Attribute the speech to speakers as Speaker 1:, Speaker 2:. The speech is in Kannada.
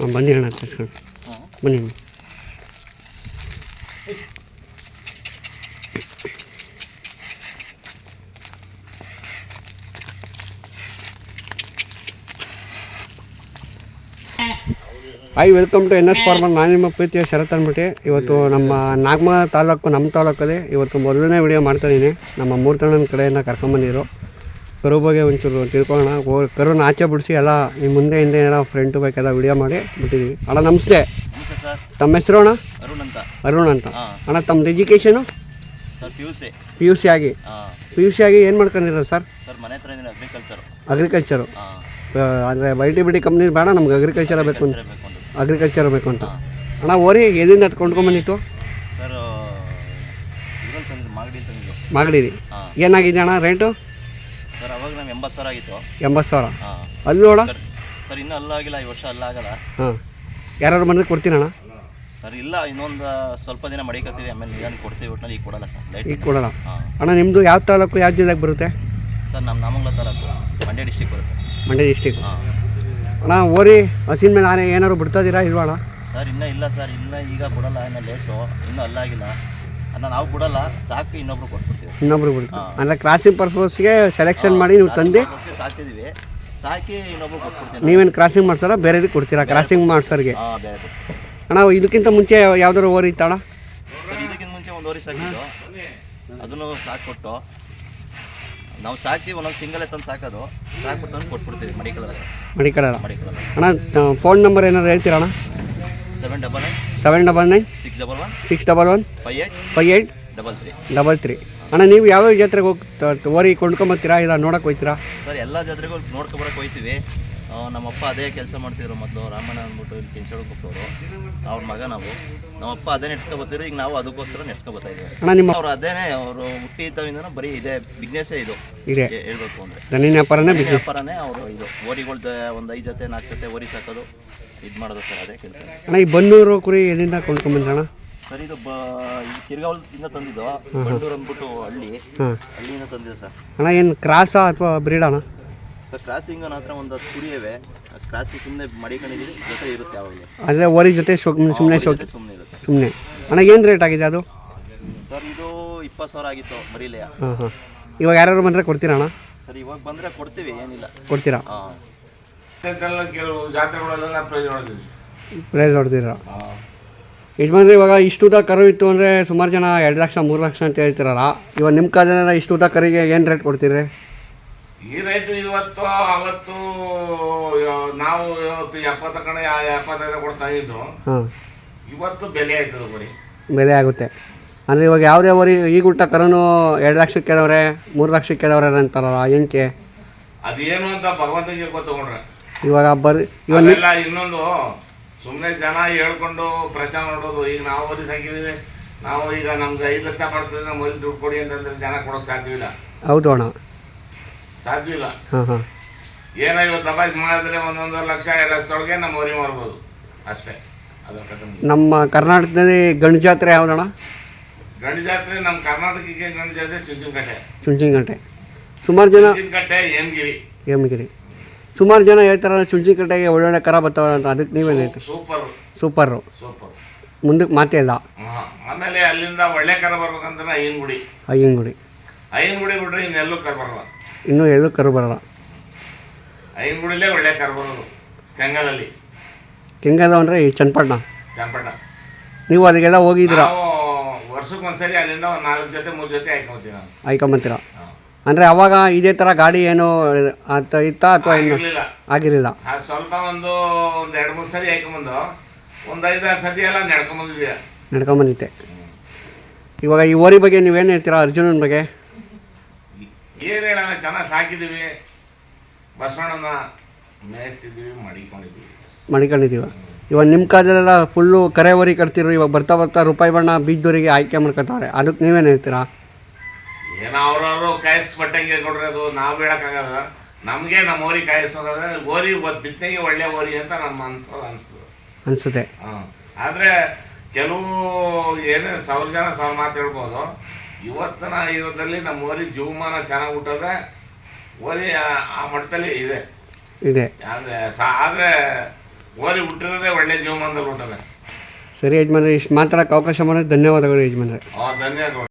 Speaker 1: ಬನ್ನಿ ಅಣ್ಣ ತರ್ಸ್ಕೊಂಡು ಬನ್ನಿ. Hi, welcome to N S farmer. ನಾನು ನಿಮ್ಮ ಪ್ರೀತಿಯ ಶರತ್ ಅಂದ್ಬಿಟ್ಟು ಇವತ್ತು ನಮ್ಮ ನಾಗಮಂಗಲ ತಾಲೂಕು, ನಮ್ಮ ತಾಲೂಕಲ್ಲಿ ಇವತ್ತು ಮೊದಲನೇ ವಿಡಿಯೋ ಮಾಡ್ತಾಯಿದ್ದೀನಿ. ನಮ್ಮ ಮೂರ್ತಣ್ಣನ ಕಡೆಯಿಂದ ಕರ್ಕೊಂಬಂದಿದ್ರು. ಕರು ಬಗ್ಗೆ ಒಂಚೂರು ತಿಳ್ಕೊಳ್ಳೋಣ. ಕರುನ ಆಚೆ ಬಿಡಿಸಿ ಎಲ್ಲ ನಿಮ್ಮ ಮುಂದೆ ಹಿಂದೆ ಏನೋ ಫ್ರೆಂಟು ಬೇಕೆಲ್ಲ ವಿಡಿಯೋ ಮಾಡಿ ಬಿಟ್ಟಿದ್ದೀವಿ. ಅಣ್ಣ ನಮಸ್ತೆ. ತಮ್ಮ ಹೆಸರು ಅಣ್ಣ? ಅರುಣ್ ಅಂತ. ಅಣ್ಣ ತಮ್ಮದು ಎಜುಕೇಷನು? ಪಿ ಯು ಸಿ ಆಗಿ ಏನು ಮಾಡ್ಕೊಂಡಿರ ಸರ್? ಅಗ್ರಿಕಲ್ಚರು. ಅಂದರೆ ಬೈಟಿ ಬಿಡಿ ಕಂಪ್ನಿ ಬೇಡ, ನಮ್ಗೆ ಅಗ್ರಿಕಲ್ಚರ್ ಬೇಕು ಅಂತ. ಅಣ್ಣ ಓರಿ ಎಲ್ಲಿಂದ ಕೊಂಡ್ಕೊಂಬಂದಿತ್ತು? ಮಾಗಡಿರಿ. ಏನಾಗಿದೆ ಅಣ್ಣ ರೇಟು?
Speaker 2: ಸರ್ ಅವಾಗ ನಮ್ಗೆ 80,000 ಆಗಿತ್ತು.
Speaker 1: 80,000 ಅಲ್ಲಿ ನೋಡ
Speaker 2: ಸರ್, ಇನ್ನೂ ಅಲ್ಲಾಗಿಲ್ಲ, ಈ ವರ್ಷ ಅಲ್ಲಾಗಲ್ಲ.
Speaker 1: ಹಾಂ, ಯಾರು ಬಂದರೆ ಕೊಡ್ತೀನಣ್ಣ?
Speaker 2: ಸರ್ ಇಲ್ಲ, ಇನ್ನೊಂದು ಸ್ವಲ್ಪ ದಿನ ಮಡಿಕತ್ತೀವಿ, ಆಮೇಲೆ ನಿಧಾನ ಕೊಡ್ತೀವಿ. ಒಟ್ಟಿನಲ್ಲಿ ಈಗ ಕೊಡಲ್ಲ ಸರ್, ಲೈಟ್
Speaker 1: ಈಗ ಕೊಡಲ್ಲ. ಅಣ್ಣ ನಿಮ್ಮದು ಯಾವ ತಾಲೂಕು, ಯಾವ ಜಿಲ್ಲೆಗೆ ಬರುತ್ತೆ?
Speaker 2: ಸರ್ ನಮ್ಮ ನಾಮಂಗಲ ತಾಲೂಕು, ಮಂಡ್ಯ ಡಿಸ್ಟಿಕ್ ಬರುತ್ತೆ.
Speaker 1: ಮಂಡ್ಯ ಡಿಸ್ಟಿಕ್. ಅಣ್ಣ ಓರಿ ಹಸಿನ ಮೇಲೆ ಆನೆ ಏನಾದ್ರು ಬಿಡ್ತಾಯಿದ್ದೀರಾ ಇಲ್ವಾ ಅಣ್ಣ?
Speaker 2: ಸರ್ ಇನ್ನೂ ಇಲ್ಲ ಸರ್, ಇನ್ನೂ ಈಗ ಬಿಡಲ್ಲ, ಇನ್ನೂ ಲೇಸು, ಇನ್ನೂ ಅಲ್ಲಾಗಿಲ್ಲ. ಅದನ್ನ ನಾವು ಬಿಡಲ್ಲ, ಸಾಕು ಇನ್ನೊಬ್ರು ಕೊಟ್ಬಿಡ್ತೀವಿ.
Speaker 1: ಇನ್ನೊಬ್ರು ಬಿಡ್ತೀವಿ ಅಂದರೆ ಕ್ರಾಸಿಂಗ್ ಪರ್ಪಸ್ಗೆ ಸೆಲೆಕ್ಷನ್ ಮಾಡಿ ನೀವು ತಂದು
Speaker 2: ಸಾಕ್ತಿದ್ದೀವಿ, ಸಾಕಿ ಇನ್ನೊಬ್ರು ಕೊಟ್ಬಿಡ್ತೀವಿ.
Speaker 1: ನೀವೇನು ಕ್ರಾಸಿಂಗ್ ಮಾಡ್ಸಾರ ಬೇರೆಯವ್ರಿಗೆ ಕೊಡ್ತೀರಾ? ಕ್ರಾಸಿಂಗ್ ಮಾಡ್ಸೋರಿಗೆ.
Speaker 2: ಹಾಂ, ಬೇರೆ.
Speaker 1: ಅಣ್ಣ ಇದಕ್ಕಿಂತ ಮುಂಚೆ ಯಾವ್ದಾದ್ರು ಓರಿ ಇತ್ತಣ್ಣ?
Speaker 2: ಸರ್ ಇದಕ್ಕಿಂತ ಮುಂಚೆ ಒಂದು ಓರಿ ಸಾಕಿದ್ದು, ಅದನ್ನು ಸಾಕ್ಬಿಟ್ಟು ನಾವು ಸಾಕ್ತೀವಿ. ಒಂದೊಂದು ಸಿಂಗಲ್ ತಂದು ಸಾಕೋದು, ಸಾಕ್ಬಿಟ್ಟು ತಂದು ಕೊಟ್ಬಿಡ್ತೀವಿ. ಮಡಿಕಲ್ಲ. ಅಣ್ಣ ಫೋನ್ ನಂಬರ್ ಏನಾದ್ರು ಹೇಳ್ತೀರಾ ಅಣ್ಣ? 799 611 5833. ಅಣ್ಣ ನೀವು ಯಾವ್ಯಾವ ಜಾತ್ರೆಗೆ ಹೋಗಿ ಓರಿ ಕೊಂಡ್ಕೊಂಬತ್ತೀರಾ, ಇಲ್ಲ ನೋಡೋಕೆ ಹೋಗ್ತೀರಾ? ಸರ್ ಎಲ್ಲ ಜಾತ್ರೆಗೂ ನೋಡ್ಕೊಬರಕ್ಕೆ ಹೋಗ್ತೀವಿ. ನಮ್ಮಪ್ಪ ಅದೇ ಕೆಲಸ ಮಾಡ್ತಿದ್ರು ಮೊದಲು, ರಾಮಣ್ಣ ಅಂದ್ಬಿಟ್ಟು ಇಲ್ಲಿ ಕೆಂಚೋಳಕ್ಕೆ ಹೋಗ್ತವ್ರು. ಅವ್ರ ಮಗ ನಾವು, ನಮ್ಮಪ್ಪ ಅದೇ ನೆಡ್ಸ್ಕೊಬತ್ತಿದ್ರು. ಈಗ ನಾವು ಅದಕ್ಕೋಸ್ಕರ ನೆಡ್ಸ್ಕೊಬತ್ತಾ ಇದ್ದೀವಿ.
Speaker 1: ಅಣ್ಣ ನಿಮ್ಮ
Speaker 2: ಅವ್ರು ಅದೇನೇ, ಅವರು ಹುಟ್ಟಿದ್ದವಿಂದ ಬರೀ ಇದೇ ಬಿಸ್ನೆಸ್ಸೇ ಇದು
Speaker 1: ಇದೆ
Speaker 2: ಹೇಳ್ಬೇಕು ಅಂದರೆ.
Speaker 1: ದನಿನ
Speaker 2: ವ್ಯಾಪಾರನೇ ಅವರು. ಇದು ಓರಿಗಳ್ದು ಒಂದು 5 ಜೊತೆ 4 ಜೊತೆ ಓರಿ ಸಾಕೋದು, ಇದು ಮಾಡೋದು ಸರ್, ಅದೇ ಕೆಲಸ.
Speaker 1: ಅಣ್ಣ ಈ ಬನ್ನೂರು ಕುರಿ ಎಲ್ಲಿಂದ ಕೊಂಡ್ಕೊಂಬಂದ್ರಣ್ಣ?
Speaker 2: ಸರ್ ಇದು ಕಿರ್ಗಾವಲದಿಂದ ತಂದಿದ್ದು, ಬಂಡೂರು ಅಂದ್ಬಿಟ್ಟು ಹಳ್ಳಿಯಿಂದ ತಂದಿದ್ದು ಸರ್.
Speaker 1: ಅಣ್ಣ ಏನು ಕ್ರಾಸಾ ಅಥವಾ ಬ್ರೀಡ್ ಅಣ್ಣ?
Speaker 2: ಸರ್ ಕ್ರಾಸಿಂಗ್ ನನ್ನ ಹತ್ರ ಒಂದು ಕುರಿಯವೆ, ಕ್ರಾಸಿಂಗ್ ಸುಮ್ಮನೆ ಮಡಿಕೊಂಡಿದ್ದೀವಿ, ಜೊತೆ ಇರುತ್ತೆ ಯಾವಾಗಲೂ.
Speaker 1: ಅಂದರೆ ಓರಿ ಜೊತೆ ಸುಮ್ಮನೆ ಇರುತ್ತೆ. ಸುಮ್ಮನೆ. ಅಣ್ಣ ಏನು ರೇಟ್ ಆಗಿದೆ ಅದು?
Speaker 2: ಸರ್ ಇದು 20,000 ಆಗಿತ್ತು ಮರಿಲೆಯ.
Speaker 1: ಹಾಂ. ಇವಾಗ ಯಾರು ಬಂದರೆ ಕೊಡ್ತೀರಾ ಅಣ್ಣ?
Speaker 2: ಸರ್ ಇವಾಗ ಬಂದರೆ ಕೊಡ್ತೀವಿ, ಏನಿಲ್ಲ.
Speaker 1: ಕೊಡ್ತೀರಾ?
Speaker 2: ಹಾಂ.
Speaker 3: ಕೆಲವು ಜಾತ್ರೆಗಳೆಲ್ಲ
Speaker 1: ಪ್ರೈಸ್ ಹೊಡ್ತೀರಾ? ಯಜಮಾನ್ರಿ ಇವಾಗ ಇಷ್ಟೂಟ ಕರು ಇತ್ತು ಅಂದರೆ ಸುಮಾರು ಜನ 2 ಲಕ್ಷ 3 ಲಕ್ಷ ಅಂತ ಹೇಳ್ತಿರಲ್ಲ. ಇವಾಗ ನಿಮ್ಮ ಕಾಲದಲ್ಲಿ ಇಷ್ಟೂಟ ಕರಿಗೆ ಏನು ರೇಟ್ ಕೊಡ್ತೀರಿ?
Speaker 3: ಈ ರೈತು ಇವತ್ತು ಅವತ್ತು ನಾವು 70 ಕಡೆ 75 ಕೊಡ್ತಾ ಇದ್ರು. ಇವತ್ತು ಬೆಲೆ ಆಯ್ತದೆ, ಬರೀ
Speaker 1: ಬೆಲೆ ಆಗುತ್ತೆ. ಅಂದರೆ ಇವಾಗ ಯಾವುದೇ ಓರಿ ಈಗ ಊಟ ಕರುನು 2 ಲಕ್ಷಕ್ಕೆ ಕೇಳವ್ರೆ, 3 ಲಕ್ಷಕ್ಕೆ ಕೇಳವ್ರೆ ಅಂತಾರಲ್ಲ, ಏನಕ್ಕೆ?
Speaker 3: ಅದೇನು ಅಂತ ಭಗವಂತನಿಗೆ ಗೊತ್ತಗೊಂಡ್ರೆ.
Speaker 1: ಇವಾಗ
Speaker 3: ಇವೆಲ್ಲ ಇನ್ನೊಂದು ಸುಮ್ಮನೆ ಜನ ಹೇಳ್ಕೊಂಡು ಪ್ರಚಾರ ಮಾಡೋದು. ಈಗ ನಾವು ಓರಿ ಸಾಕಿದ್ದೀವಿ, ನಾವು ಈಗ ನಮ್ಗೆ 5 ಲಕ್ಷ ಬರ್ತದೆ, ನಮ್ಮ ಓರಿ ದುಡ್ಡು ಕೊಡಿ ಅಂತಂದ್ರೆ ಜನ ಕೊಡೋಕೆ ಸಾಧ್ಯವಿಲ್ಲ.
Speaker 1: ಹೌದು ಅಣ್ಣ,
Speaker 3: ಸಾಧ್ಯವಿಲ್ಲ.
Speaker 1: ಹಾಂ.
Speaker 3: ಏನೋ ಇವತ್ತು ದಬಾಯಿಸಿ ಮಾಡಿದ್ರೆ 1.5 ಲಕ್ಷ 2 ಲಕ್ಷದೊಳಗೆ ನಮ್ಮ ಓರಿ ಮಾರ್ಬೋದು ಅಷ್ಟೇ.
Speaker 1: ನಮ್ಮ ಕರ್ನಾಟಕದಲ್ಲಿ ಗಂಡು ಜಾತ್ರೆ ಯಾವುದಣ್ಣ?
Speaker 3: ಗಂಡು ಜಾತ್ರೆ ನಮ್ಮ ಕರ್ನಾಟಕಕ್ಕೆ ಗಂಡು ಜಾತ್ರೆ
Speaker 1: ಚುಂಚಿನಕಟ್ಟೆ. ಸುಮಾರು ಜನ
Speaker 3: ಚುಂಚಿನಕಟ್ಟೆ,
Speaker 1: ಹೇಮಗಿರಿ. ಸುಮಾರು ಜನ ಹೇಳ್ತಾರೆ ಚುಂಚಿನಕಟ್ಟೆಗೆ ಒಳ್ಳೊಳ್ಳೆ ಕರ ಬರ್ತಾವೆ ಅಂತ. ಅದಕ್ಕೆ ನೀವೇನು ಹೇಳ್ತೀವಿ? ಸೂಪರು. ಮುಂದಕ್ಕೆ ಮಾತೇ ಇಲ್ಲ.
Speaker 3: ಆಮೇಲೆ ಅಲ್ಲಿಂದ ಒಳ್ಳೆ ಕರ ಬರ್ಬೇಕಂದ್ರೆ ಐನಗುಡಿ ಬಿಟ್ರೆ ಇನ್ನೆಲ್ಲೂ ಕರ ಬರಲ್ಲ.
Speaker 1: ಇನ್ನೂ ಎಲ್ಲೂ ಕರು ಬರಲ್ಲ.
Speaker 3: ಐನಗುಡಿಲೇ ಒಳ್ಳೆ ಕರ ಬರೋದು.
Speaker 1: ಕೆಂಗದ ಅಂದರೆ ಈ ಚನ್ನಪಟ್ಟಣ. ನೀವು ಅದಕ್ಕೆಲ್ಲ ಹೋಗಿದ್ದೀರಾ?
Speaker 3: ವರ್ಷಕ್ಕೊಂದ್ಸರಿ ಅಲ್ಲಿಂದ ಒಂದು 4 ಜೊತೆ 3 ಜೊತೆ
Speaker 1: ಆಯ್ಕೊಂಬತ್ತೀರಾ? ಅಂದರೆ ಅವಾಗ ಇದೇ ಥರ ಗಾಡಿ ಏನು ಇತ್ತಾ ಅಥವಾ ಆಗಿರಲಿಲ್ಲ?
Speaker 3: ಸ್ವಲ್ಪ ಒಂದು 2-3 ಸರಿ ಆಯ್ಕೊಂಬಂದು ಒಂದು 5-6 ಸತಿ ಎಲ್ಲ
Speaker 1: ನಡ್ಕೊಂಬಂದಿತ್ತೆ. ಇವಾಗ ಈ ಓರಿ ಬಗ್ಗೆ ನೀವೇನು ಹೇಳ್ತೀರಾ? ಅರ್ಜುನನ ಬಗ್ಗೆ
Speaker 3: ಏನು ಹೇಳೋಣ, ಚೆನ್ನಾಗಿ ಸಾಕಿದ್ದೀವಿ, ಬಸವಣ್ಣನ ಮೇಯಿಸ್ತಿದ್ದೀವಿ,
Speaker 1: ಮಡಿಕೊಂಡಿದ್ದೀವ. ಇವಾಗ ನಿಮ್ಮ ಕಾಲದಲ್ಲೆಲ್ಲ ಫುಲ್ಲು ಕರೆ ಓರಿ ಕಟ್ತಿರು. ಇವಾಗ ಬರ್ತಾ ರೂಪಾಯಿ ಬಣ್ಣ ಬೀಜದವರಿಗೆ ಆಯ್ಕೆ ಮಾಡ್ಕೊತಾರೆ. ಅದಕ್ಕೆ ನೀವೇನು ಹೇಳ್ತೀರಾ?
Speaker 3: ಏನೋ ಅವ್ರವರು ಕಾಯಿಸ್ಬಟ್ಟಂಗೆ ಕೊಡ್ರಿ, ಅದು ನಾವು ಹೇಳೋಕ್ಕಾಗಲ್ಲ. ನಮಗೆ ನಮ್ಮ ಓರಿ ಕಾಯಿಸೋದಾದ್ರೆ ಓರಿ ಬಿತ್ತನೆಗೆ ಒಳ್ಳೆ ಓರಿ ಅಂತ ನಮ್ಮ ಅನಿಸುತ್ತೆ. ಆದರೆ ಕೆಲವು ಏನೇ 1000 ಜನ 1000 ಮಾತು ಹೇಳ್ಬೋದು. ಇವತ್ತಿನ ಇದರಲ್ಲಿ ನಮ್ಮ ಓರಿ ಜೀವಮಾನ ಚೆನ್ನಾಗಿ ಹುಟ್ಟೋದೆ, ಓರಿ ಆ ಮಟ್ಟದಲ್ಲಿ ಇದೆ. ಆದರೆ ಓರಿ ಹುಟ್ಟಿರೋದೇ ಒಳ್ಳೆ ಜೀವಮಾನದಲ್ಲಿ ಹುಟ್ಟದೆ.
Speaker 1: ಸರಿ ಯಜಮಾನ್ರೆ, ಇಷ್ಟು ಮಾತಾಡೋಕ್ಕೆ ಅವಕಾಶ ಮಾಡೋದು ಧನ್ಯವಾದಗಳು ಯಜಮಾನ್ರೆ.
Speaker 3: ಧನ್ಯವಾದಗಳು.